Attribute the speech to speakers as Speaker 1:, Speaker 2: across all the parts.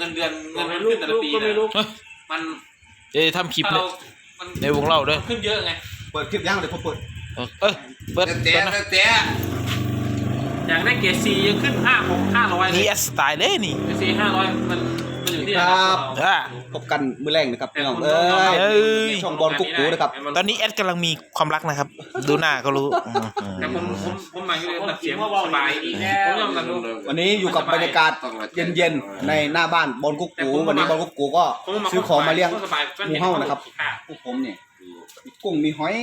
Speaker 1: งินเดือนขึ้นแต่ละปีมัน
Speaker 2: ทำคลิปเนี่ยในวงเล่าด้วย
Speaker 1: ขึ้นเยอะไง
Speaker 3: เปิดคลิปยังเดี๋ยวผมเปิด
Speaker 2: เปิด
Speaker 1: แต่อย่างได้เกรดซียังขึ้น500
Speaker 2: นี่สไตล์เลยนี่
Speaker 1: เกรดซี500มันอยู่ที่
Speaker 3: ครับพบกันมื้อแรกนะครับพี่น้องช่องบอลกุ๊กกูนะครับ
Speaker 2: ตอนนี้แอดกำลังมีความรักนะครับดูหน้าก็รู้
Speaker 1: แต่ผมมาอยู่ในตัดเสียงสบายดีผมยอมรับ
Speaker 3: วันนี้อยู่กับบรรยากาศเย็นๆในหน้าบ้านบอลกุ๊กกูวันนี้บอลกุ๊กกูก็ซื้อของมาเลี้ยงหมูเฮ้านะครับพวกผมเนี่ยมีกุ้งมีหอย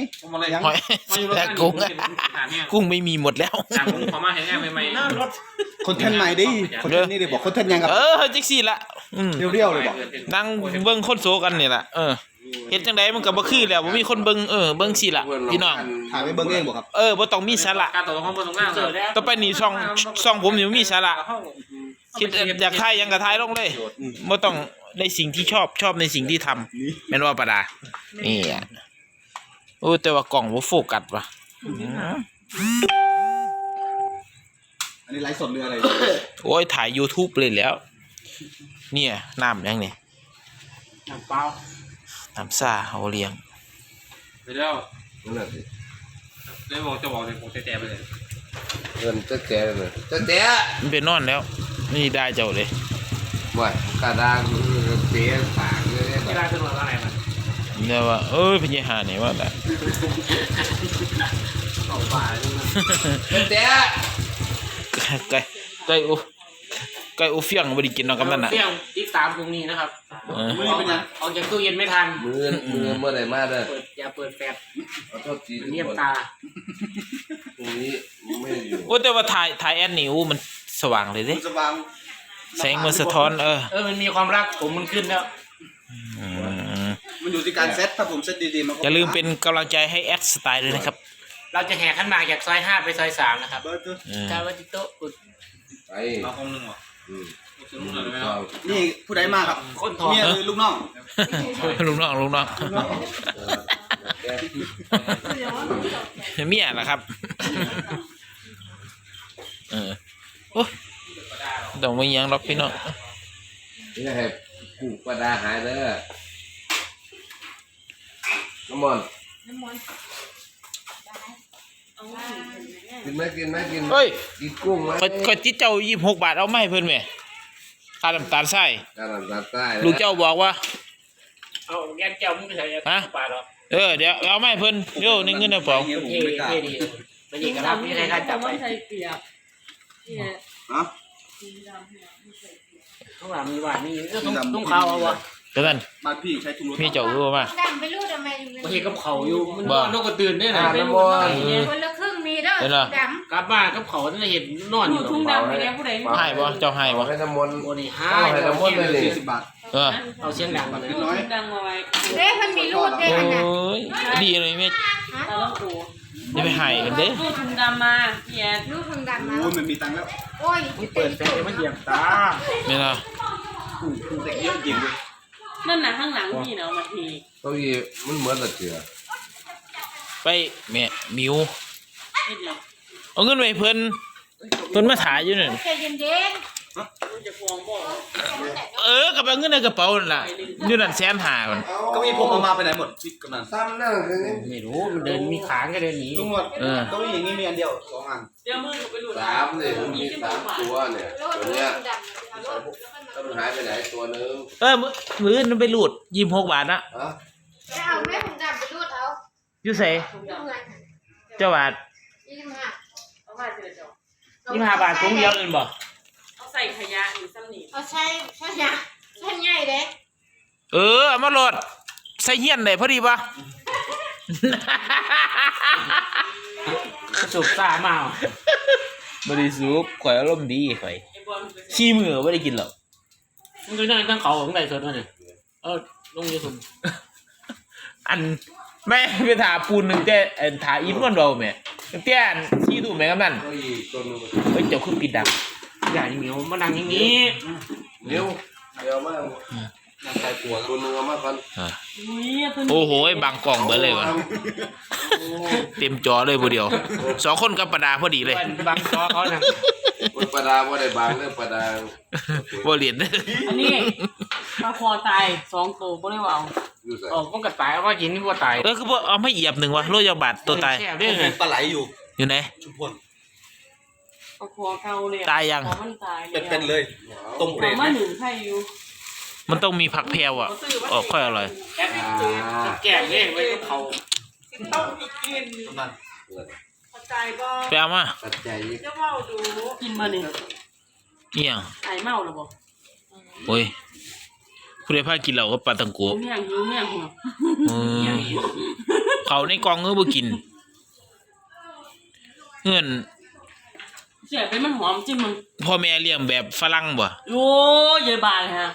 Speaker 2: กุ้งไม่มีหมดแล้ว
Speaker 1: ขอมาเห็นแง่ใหม่
Speaker 3: ๆคนเทนใหม่ดิคนเทนนี่เลยบอกคนเทนยังครับ
Speaker 2: จิกซี่ละ
Speaker 3: เรียวๆเลยบอก
Speaker 2: นั่งเบิ้งคนโซกันนี่แหละเฮ็ดจังไดมันก็บ่คือแล้วบ่มีคนเบิ่งเบิ่งสิล่ะพี่น้อง
Speaker 3: ถ่ายไปเบิ่งเองบ่ครับ
Speaker 2: บ่ต้องมีสาระ
Speaker 1: การต่อของบ่ต้องงาน
Speaker 2: ต่อไปนี่ช่องผมนี่มีสาระคิดอยากถ่ายยังก็ถ่ายลงเลยบ่ต้องในสิ่งที่ชอบในสิ่งที่ทำแม่นว่าปะดานี่แต่ว่ากล่องบ่โฟกัสว่ะ
Speaker 3: อันนี้ไลฟ์สดเรืออะไร
Speaker 2: โอ้ยถ่าย YouTube เลยแล้วเนี่ยน้ำยังนี่
Speaker 1: น้ำเปล่า
Speaker 2: น้ำซ่าเอาเลี้ยง
Speaker 1: ไปแล้วนั่นแหละสิได้บอกจะบอกเลยผมแจ๊ไปเลย
Speaker 4: เงินแจ๊เลยแจ๊
Speaker 2: มันเป็นนอนแล้วนี่ได้เจ้าเลย
Speaker 4: ว่ากระด้างเสียปากเลย
Speaker 1: ไม่ได้ขึ้นมาอะไรมัน
Speaker 2: เนี่ยว่าพญาหาเนี่ยว่าแต่
Speaker 1: ต่อป่า
Speaker 4: แจ๊
Speaker 2: ไก่โอเฟียงบริกินนอกกำนัน
Speaker 1: เฟียงติดตามตรงนี้นะครับมือเป็นยังออกจากตู้เย็นไม่ทัน
Speaker 4: มือเมื่อไหร่มาเด้อ
Speaker 1: อย่าเปิดแฟลช
Speaker 4: เงี
Speaker 1: ยบตา
Speaker 4: ตรงนี้ไม่อยู่
Speaker 2: แต่ว่าถ่ายแอดนิวมันสว่างเลยดิ
Speaker 3: สว่าง
Speaker 2: แสงมันสะท้อน
Speaker 1: มันมีความรักผมมันขึ้นแล้ว
Speaker 3: มันอยู่ที่การเซตถ้าผมเซตดีๆมัน
Speaker 2: อย่าลืมเป็นกำลังใจให้แอดสไตล์ด้วยนะครับ
Speaker 1: เราจะแห่ขันหมากจากซอย5ไปซอย3นะครับกาวัติโต้
Speaker 4: ไป
Speaker 1: เอาคงหนึ่งหรอ
Speaker 3: นี่ผู้ใดมาครับ
Speaker 1: คนทอง
Speaker 3: เนี่ยลูกน้อง
Speaker 2: ลูกน้องเมียนะครับโอ้ต้องไม่ยังหรอกพี่น้อง
Speaker 4: นี่ให้กูประดาหายเด้อน้ำมันกินไหม
Speaker 2: เฮ้ย
Speaker 4: กินกุ้งไหม
Speaker 2: ก็จิตเจ้า26 บาทเอาไม่เพิ่นไหมค่าน้ำตาลทรายลูกเจ้าบอกว่า
Speaker 1: เอาแกงเจ้ามึงไปใส่บาทหรอ
Speaker 2: เดี๋ยวเอาไม่เพิ่นเดี๋ยวในเงินในกระเป๋า
Speaker 1: เท่ดีไม่ดีกันครับพี่ใครจับไปข้างหลังมีหวานนี่ต้องเขาเอาวะ
Speaker 2: เดี๋ยวกัน
Speaker 3: บ้านพี่ใช้ถุงรถ
Speaker 2: พี่เจ้ารู้ป่ะ
Speaker 5: ดำไปรูดทำไม
Speaker 1: บางทีกับเขาอยู่มันนกกระตือนได้นะ
Speaker 5: เป็นคนละครึ่งมีเด้อด
Speaker 1: ำกลับมากับเขาจะเห็นนอนอยู่
Speaker 5: ทุ่งดำไปแล้วผู้ใด
Speaker 2: ให้บ่เจ้าให้บ่
Speaker 4: ให้น้ำมนต์
Speaker 1: โอ้นี่
Speaker 4: ให้น้ำมนต์เลย
Speaker 3: 40 บาท
Speaker 1: เอาเสียงดังมาเลย
Speaker 5: ดังมาไว้เด้มันมีรูดเด้อันน่ะ
Speaker 2: ดีเลยแม่จะไปให้กันเด้
Speaker 5: รูดทุ่งดำมาเฮียรูดทุ่งดำมา
Speaker 3: โอ้ยมันมีตังค์แล้ว
Speaker 5: โอ้ย
Speaker 1: เปิดแฟลชมันเหยียบตา
Speaker 2: ไม่ล่ะ
Speaker 3: เด็กเยอะจริงเลย
Speaker 5: นั่นน่ะข้างหลังพี่เนาะมาที
Speaker 4: เก้าอี้มันเหมือนละเถื่อ
Speaker 2: ไปแม่มิวเอาเงินไปเพิ่นมาถ่ายอยู่นั่น
Speaker 5: ใจเย็น
Speaker 2: กับเอาเงินในกระเป๋านั่นล่ะอยู่นั่น150,000มัน
Speaker 3: ก็มีผมเอามาไปไหนหมดพี่กำนัน
Speaker 4: ซ้ำนั่ง
Speaker 1: ไม่รู้มันเดินมีขางก็เดินหนี
Speaker 3: ลุงหมดก็มีอย่างนี้มีอันเดียว2 อัน
Speaker 5: เดี๋ยวมือไปหลุด
Speaker 4: 3เนี่ยมี3ตัวเนี่ยตัวเนี้ยถ้ามันหายไปไหนตัวนึง
Speaker 2: มื้อมันไปหลุด26 บาทนะ
Speaker 5: จะเอาแม่ผมดำไปรูดเอา
Speaker 2: อยู่ไสเจ้าบาท
Speaker 5: 25เอามาเจอเจ้
Speaker 1: า25 บาทถุงเดียวอื่นบ่
Speaker 5: เอาใส่ขยะหรือซ้ำนี่เอาใช่ขยะใช่ใหญ่เด้
Speaker 2: เอามาโหลดใส่เฮียนได้พอดีป่ะ
Speaker 1: สุกซ่ามา
Speaker 2: บ่ได้สุกข่อยอารมณ์ดีข่อยขี้มือบ่ได้กินหรอก
Speaker 1: มึงดูนั่งตั้งเขาของใดสดมาเนี่ยลงYouTube
Speaker 2: อันแม่ไปถาปูนนึงแต่ถาอินวันเราแม่เตี้ยชี้ดูแม่กำนันเฮ้ยเจ้าคือปิดดัง
Speaker 1: อย่าอย่างนี้มานั่งอย่างนี้
Speaker 4: เร็วมาก
Speaker 3: น้ำใจปัว
Speaker 4: ตัวนึงเอามาก่อน
Speaker 2: โอ้โหบางกล่องเบิดเลยวะเต็มจอเลยผู้เดียว2คนกับประดาพอดีเลย
Speaker 6: บางจอเขาน่ะ
Speaker 4: มันประดาว่าได้บางเรื่องประดา
Speaker 2: บ่เรียน
Speaker 6: อันนี้ปลาคอตาย2ตัวบ่ได้ว่า
Speaker 4: อยู่ใส่
Speaker 6: ออกมันก็ตายเอามากินนี่บ่ตาย
Speaker 2: คือบ่เอาไม่เหยียบหนึ่งวะโรยยาบาดตัวตาย
Speaker 6: แซ่บเด้อ
Speaker 3: ปลาไหลอยู่
Speaker 2: อยู่ไหน
Speaker 3: ชุมพล
Speaker 6: ปลาคอเก่าเลย
Speaker 2: ตายยัง
Speaker 6: มันตาย
Speaker 3: เป็นเลยต้มเปรต
Speaker 6: มาหนึ่งไข่อยู่
Speaker 2: มันต้องมีผักแพรวอ่ะออกค่อยอร่อย
Speaker 6: แก่เด้ไว้กับเขา
Speaker 5: ต้องมีกิน
Speaker 3: กำนัน
Speaker 5: เข้าใจบ่
Speaker 2: ไปเอามา
Speaker 4: ปัจจัย
Speaker 5: จะเว้าดู
Speaker 6: กินมานี่
Speaker 2: เอี่ยง
Speaker 6: ไอ้เมาแล้วบ่
Speaker 2: โอ้ยผู้ใดพากินเหล้ากับปลาตังโก
Speaker 6: เมี่ยงอยู่เมี่ยงหัว
Speaker 2: เขาในกล่องก็บ่กินเงื่อน
Speaker 6: เสียไปมันหอมจิ้มมัน
Speaker 2: พ่อแม่เลี้ยงแบบฝรั่งบ่
Speaker 6: โอ้ยเยอะบาเลยฮะ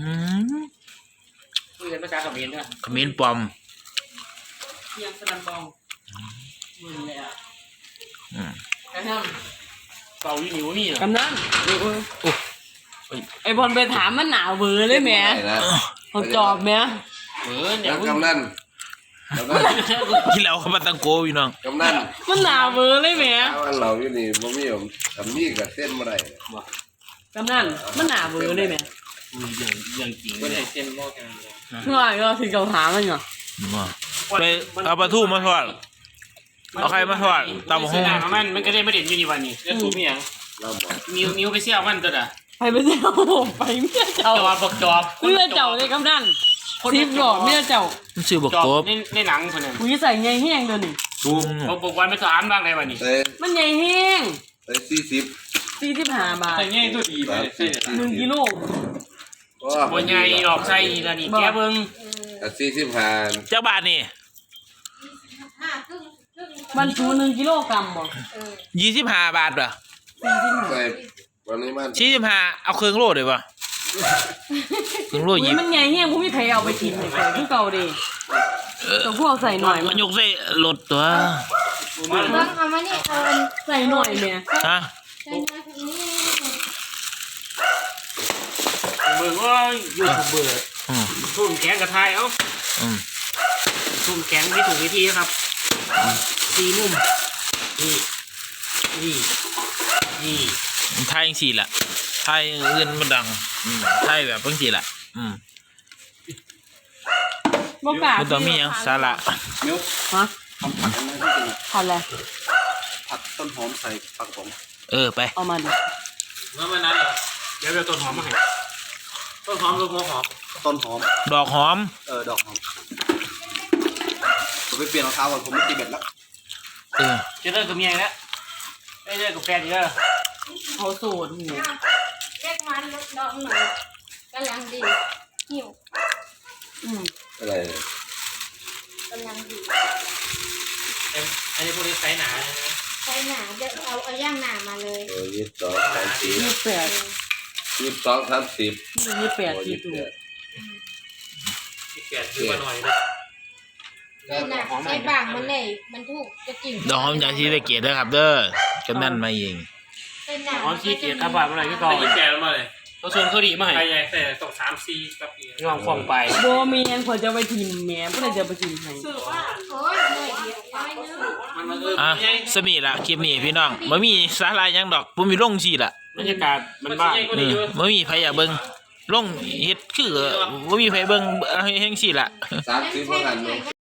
Speaker 7: คุยกันภาษาเขมรด้วย
Speaker 2: ขมิ้นปลอม
Speaker 6: เทียมสลันบองมึงเลยอ่ะ
Speaker 2: อืม
Speaker 6: กำนัน
Speaker 7: เป่าอยู่หนิวนี่เหรอก
Speaker 6: ำนันไอ้บอลไปถามมันหนาวเบื่อเลยแหม่
Speaker 4: นะ
Speaker 6: เขาจอบแหม่
Speaker 7: เดี๋
Speaker 4: แล้
Speaker 7: ยว ว
Speaker 4: กำนัน
Speaker 2: กินเหล้ากับปลาตังโกพี่น้อง
Speaker 4: กำนัน
Speaker 6: มันหนาวเบื่อเลยแหม่
Speaker 4: ถ้าวันเราอยู่นี่บ่มีผมทำนี่กับเส้นบ่ได้
Speaker 6: กำนันมันหนาวเบื่อเลยแหม่
Speaker 7: อย่างจริงไม่ได้เส้นโลกกันเลย
Speaker 6: ง่ายก็ถึงเขาถามมันเหรอ
Speaker 2: ไปเอาปลาทูมาทอดเอาใครมาทอดตำบักหุ่ง
Speaker 7: มันก็ได้ไม่เด่นอยู่นี่วันนี้จะถูกมีอย่าง
Speaker 4: เราบอก
Speaker 7: นิ้วไปเสี่ยวมันตัวน่ะ
Speaker 6: ไปเจ้าไปเมียเจ้า
Speaker 7: จอบบอกจอบ
Speaker 6: เมียเจ้าเลยกำนันทิพย์หรอเมียเจ้า
Speaker 2: มันชื่อบัก
Speaker 7: จอบ
Speaker 2: กบ
Speaker 7: ในหนังคนนั้น
Speaker 6: กูจะใส่ใหญ่แห้งเดี๋ยวนี้
Speaker 7: บอกวันไปสอนบ้างเลยวันนี้
Speaker 4: ใส่
Speaker 6: มันใหญ่แห้ง
Speaker 4: ใส่
Speaker 6: 45 บาท
Speaker 7: ใส่ง่ายตัวดีไปใส่
Speaker 6: 1 กิโล
Speaker 4: ก็
Speaker 7: บนใหญ่ออกใส่แล้วนี่แกเบิ้ง
Speaker 4: 45
Speaker 2: เจ้าบาทนี่
Speaker 5: 5ครึ่ง
Speaker 6: มันชู1 กิโลกรัมบ่
Speaker 2: 25 บาทเหรอ
Speaker 4: ใส่วันนี้มัน
Speaker 2: 45เอาเครื่องโลได้ป่ะเครื่องโล
Speaker 6: อุ้ยมันใหญ่แห้งผมมีใครเอาไปกินเลยคือเก่าดิแต่พวกใส่หน่อย
Speaker 2: มั
Speaker 6: มัน น
Speaker 2: ยกใส่รถตัว
Speaker 5: เบิ่งเอามานี่เอาอัน
Speaker 6: ใส่หน่อยแม่
Speaker 2: ฮะ
Speaker 5: ใส่มาตรงนี้
Speaker 7: เบิ้งว่าอยู่ถูกเบื่อ
Speaker 2: อืม
Speaker 7: ทุ่มแข็งกับไทยเอ้า
Speaker 2: อืม
Speaker 7: ทุ่มแข็งที่ถูกวิธีนะครับตีมุมนี่นี่นี่
Speaker 2: ไทยจังซี่ล่ะไทยอื่นมันดังไทยแบบจังซี่ล่ะ
Speaker 6: บ่กล้า
Speaker 2: มันต้องมีหยังสาระ
Speaker 3: มิ้ว
Speaker 6: ฮะ
Speaker 3: ทำผัดอะไรที่เป็น
Speaker 6: ทันเลย
Speaker 3: ผัดต้นหอมใส่ผักผม
Speaker 2: ไป
Speaker 6: เอามาดิ
Speaker 7: เมื่อวันนั้นเหรอเดี๋ยวต้นหอมมาให้ต้นหอมกับหัวหอม
Speaker 3: ต้นหอม
Speaker 2: ดอกหอม
Speaker 3: ดอกหอมผมไปเปลี่ยนรองเท้าก่อนผมไม่ตีเบ็ดแล้ว
Speaker 7: จะเลิกกับเมียแล้วได้เลิกกับแฟนอีกแล้ว
Speaker 6: เขาโสดหัว
Speaker 5: เล็กมันลดดอกหน่อยกำลังดีหิว
Speaker 4: อะไร
Speaker 5: กำลังดี
Speaker 7: อันนี้พวกนี้ไซส์หนา
Speaker 5: ใช้หนาเดี๋ยวเอาย่างหนามาเลย
Speaker 4: 22
Speaker 6: 28
Speaker 4: 30
Speaker 6: 28ที่ตัว
Speaker 7: ที่เปลี่ยนขึ้นมาหน่อยนะ
Speaker 5: นี่นะใช้บางมันเลยมันถูกจะกิน
Speaker 2: ดอกหอมอย่างที่ได้เกียรตินะครับเด้อกำนันมาเอง
Speaker 5: เป็นหนา
Speaker 7: หอมขี้เกียจอาบาดอะไรก็ต่อแก่แล้วมาเลยเขาชวนเขาดีมาให้ใหญ่แต่ต้อง3-4กับงองฟองไป
Speaker 6: บ่มีหยังควรจะไปทิมแม่บ่ได้จะไปทิมให้
Speaker 5: โอ้ยเหนื่อยเดียวน้อยนึง
Speaker 7: มัน
Speaker 2: สมีละคลิปนี้พี่น้องบ่มีสาระหยังดอกบ่มีลงสิล่ะ
Speaker 7: บรรยากาศมันบ้าน
Speaker 2: บ่มีไผอยากเบิ่งลงเฮ็ดคือบ่มีไผเบิ่งเฮ็ดจังซี่ล่ะ
Speaker 4: 30ว่ากัน